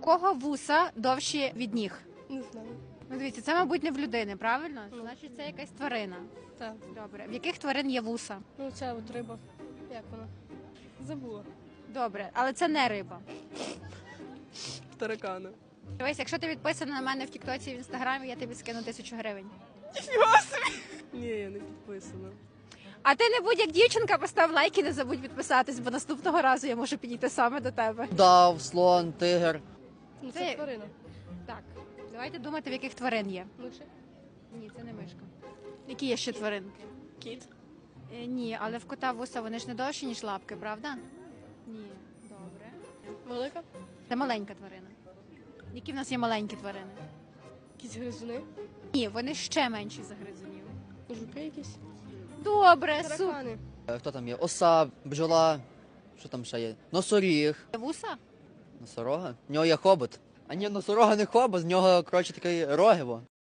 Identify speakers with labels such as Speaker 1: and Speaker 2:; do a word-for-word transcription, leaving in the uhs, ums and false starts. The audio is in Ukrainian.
Speaker 1: кого вуса довші від ніг?
Speaker 2: Не знаю.
Speaker 1: Ну, дивіться, це, мабуть, не в людини, правильно? Значить, це якась тварина.
Speaker 2: Так.
Speaker 1: Добре. В яких тварин є вуса?
Speaker 2: Ну ця от риба. Як вона? Забула.
Speaker 1: Добре, але це не риба.
Speaker 2: Таракана.
Speaker 1: Дивись, якщо ти підписана на мене в Тіктоці і в Інстаграмі, я тобі скину тисячу гривень.
Speaker 2: Ні, я не підписана.
Speaker 1: А ти не будь як дівчинка, постав лайк і не забудь підписатись, бо наступного разу я можу підійти саме до тебе.
Speaker 3: Дав, слон, тигр.
Speaker 2: Ну
Speaker 1: Це-
Speaker 2: це тварина.
Speaker 1: Так, давайте думати, в яких тварин є.
Speaker 2: Миші.
Speaker 1: Ні, це не мишка. Які є ще тваринки?
Speaker 2: Кіт.
Speaker 1: Е, ні, але в кота вуса вони ж не довші, ніж лапки, правда? Ні, добре.
Speaker 2: Велика.
Speaker 1: Це маленька тварина. Які в нас є маленькі тварини?
Speaker 2: Якісь гризуни.
Speaker 1: Ні, вони ще менші за гризунів.
Speaker 2: Жуки якісь.
Speaker 1: Добре, супер.
Speaker 2: Таракани.
Speaker 3: Е, Хто там є? Оса, бджола. Що там ще є? Носоріг.
Speaker 1: Вуса?
Speaker 3: Носорога? В нього є хобот. А ні, носорога не хобот, з нього, коротше, такий рогиво.